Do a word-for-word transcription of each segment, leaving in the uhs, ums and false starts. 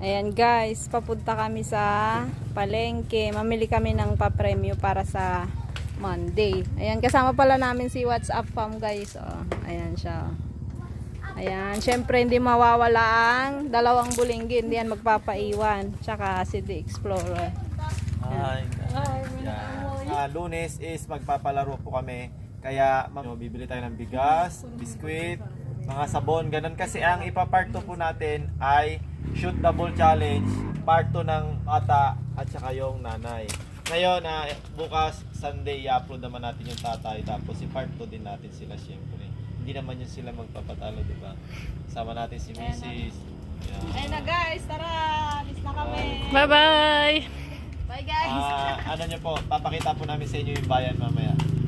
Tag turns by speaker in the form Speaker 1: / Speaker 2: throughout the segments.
Speaker 1: Ayan guys, papunta kami sa palengke. Mamili kami ng papremyo para sa Monday. Ayan, kasama pala namin si WhatsApp Fam guys. Oh, ayan siya. Ayan, syempre hindi mawawala ang dalawang bulinggi. Hindi yan magpapaiwan. Tsaka si The Explorer.
Speaker 2: Hi. Yan. Ah, Lunes is magpapalaro po kami. Kaya mag- bibili tayo ng bigas, biskwit, mga sabon, ganun. Kasi ang ipapart two po natin ay shoot the ball challenge, part two ng ata at saka yung nanay. Ngayon, ah, bukas Sunday i-upload naman natin yung tatay, tapos i part two din natin sila syempre. Hindi naman yun sila magpapatalo, di ba? Sama natin si Missus Yan.
Speaker 1: Ayun na guys, tara! Alis na kami!
Speaker 3: Bye-bye!
Speaker 1: Bye guys!
Speaker 2: Ah, ano nyo po, papakita po namin sa inyo yung bayan mamaya.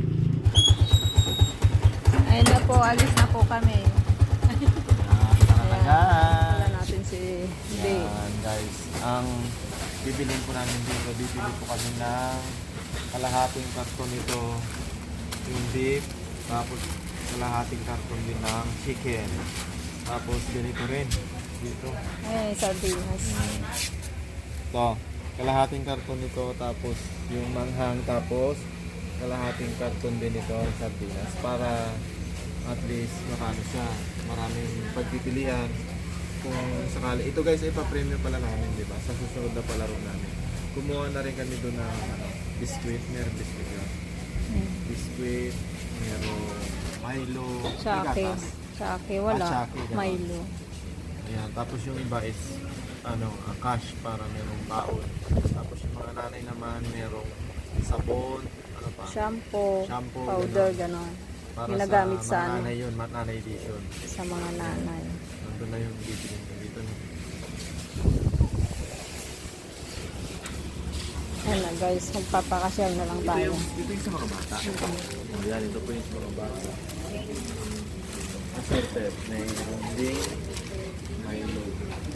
Speaker 1: Ayun na po, alis na po kami.
Speaker 2: Yan, tara na guys!
Speaker 1: Wala natin si Day.
Speaker 2: Yan guys, ang bibilin po namin dito, bibili po kami ng kalahating karton nito, yung beef, tapos kalahating karton din ng chicken, tapos ganito rin dito,
Speaker 1: Ayun, sardinas.
Speaker 2: ito, kalahating karton nito, tapos yung manghang, tapos kalahating karton din ito ng sardinas para at least makano siya, maraming pagpipilian. Kung sakali, ito guys ay pa-premium pala namin, di ba? Sa susunod na palaro namin. Kumuha na rin kami doon ng ano, biscuit, meron biscuit yun.
Speaker 1: Hmm.
Speaker 2: Biscuit, meron Milo,
Speaker 1: Sake.
Speaker 2: gatas.
Speaker 1: Sake, wala.
Speaker 2: Ah, sake, ganun.
Speaker 1: Milo.
Speaker 2: Ayan, tapos yung iba is ano, ah, cash para merong baon. Tapos yung mga nanay naman merong sabon, ano pa?
Speaker 1: Shampoo,
Speaker 2: Shampoo,
Speaker 1: powder,
Speaker 2: ganun.
Speaker 1: ganon.
Speaker 2: Para
Speaker 1: Ginagamit
Speaker 2: sa
Speaker 1: sa
Speaker 2: mga
Speaker 1: ano?
Speaker 2: nanay yun, mga nanay edition.
Speaker 1: Sa mga nanay.
Speaker 2: Nandun na yung bibili ko dito.
Speaker 1: Ayan na guys, magpapakasyal na lang
Speaker 2: Ito
Speaker 1: tayo.
Speaker 2: yung, ito yung sa mga bata. Oh, yan, ito po yung sa mga bata. Assorted. May ronding, may load.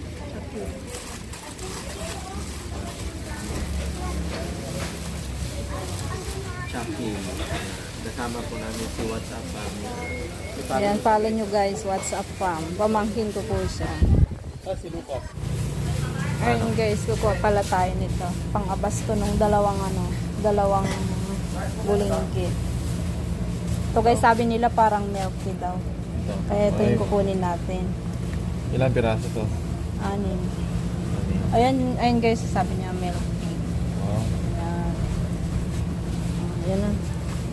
Speaker 2: Shopping. Kasama po namin si WhatsApp family.
Speaker 1: Ayan, follow nyo guys, WhatsApp Fam. Pamangkin ko po siya.
Speaker 2: Ah, si Lucas.
Speaker 1: Ayun guys, kukuha pala tayo nito. Pang-abas to nung dalawang ano, dalawang bulinggi. Ito guys, sabi nila parang milk tea daw.
Speaker 2: Ito.
Speaker 1: Kaya ito yung kukunin natin.
Speaker 2: Ilang piraso to?
Speaker 1: Anin. Ayan, ayun guys, sabi niya milk tea.
Speaker 2: Wow.
Speaker 1: Ayan. Ayan na.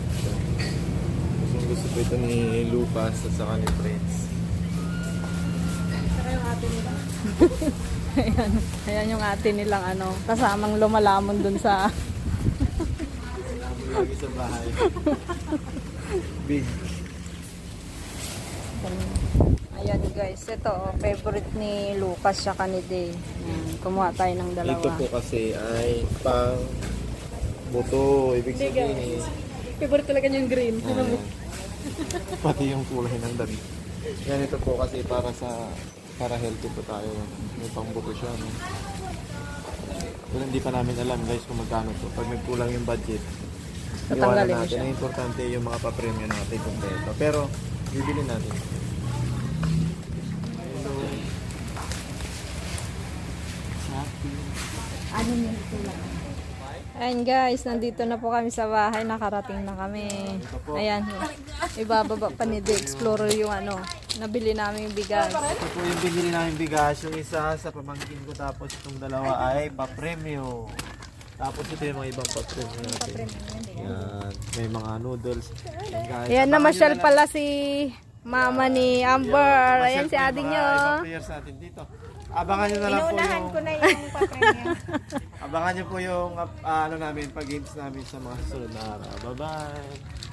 Speaker 2: Gusto gusto po ito ni Lucas at saka ni Prince.
Speaker 1: Ayan, ayan yung ate nilang ano, kasamang lumalamon dun sa
Speaker 2: Lagi sa bahay. Big.
Speaker 1: ayan guys, ito oh, favorite ni Lucas siya ni Day. Ayan, kumuha tayo ng dalawa.
Speaker 2: Ito po kasi ay pang buto. Ibig sabihin eh.
Speaker 1: Favorite talaga yung green.
Speaker 2: ah, pati yung kulay ng damit. Yan, ito po kasi para sa para healthy po tayo. May pang buto siya. No? Pero hindi pa namin alam guys kung magkano to. Pag nagkulang yung budget, iwanan
Speaker 1: Tatanggalin mo
Speaker 2: natin.
Speaker 1: siya.
Speaker 2: Ang importante yung mga pa-premium natin kompleto. Pero bibili natin. Hello. Shopping.
Speaker 1: Ano yung kulang? Ayan guys, nandito na po kami sa bahay, nakarating na kami. Ayan, ibababa pa ni The Explorer yung ano, nabili namin yung bigas.
Speaker 2: Ito po yung binili namin bigas. Yung isa sa pamangkin ko, tapos itong dalawa ay pa-premium. Tapos ito yung mga ibang pa-premium natin. Yan. May mga noodles. Yan guys.
Speaker 1: Ayan,
Speaker 2: Abangan
Speaker 1: namasyal
Speaker 2: nyo na lang.
Speaker 1: pala si mama ni Amber. Ayan si ading nyo.
Speaker 2: Ibang players natin dito. Abangan nyo na lang po
Speaker 1: Inuunahan
Speaker 2: yung...
Speaker 1: ko na yung papremyo.
Speaker 2: Abangan nyo po yung ah, ano namin, pag-games namin sa mga susunod na araw. Bye-bye!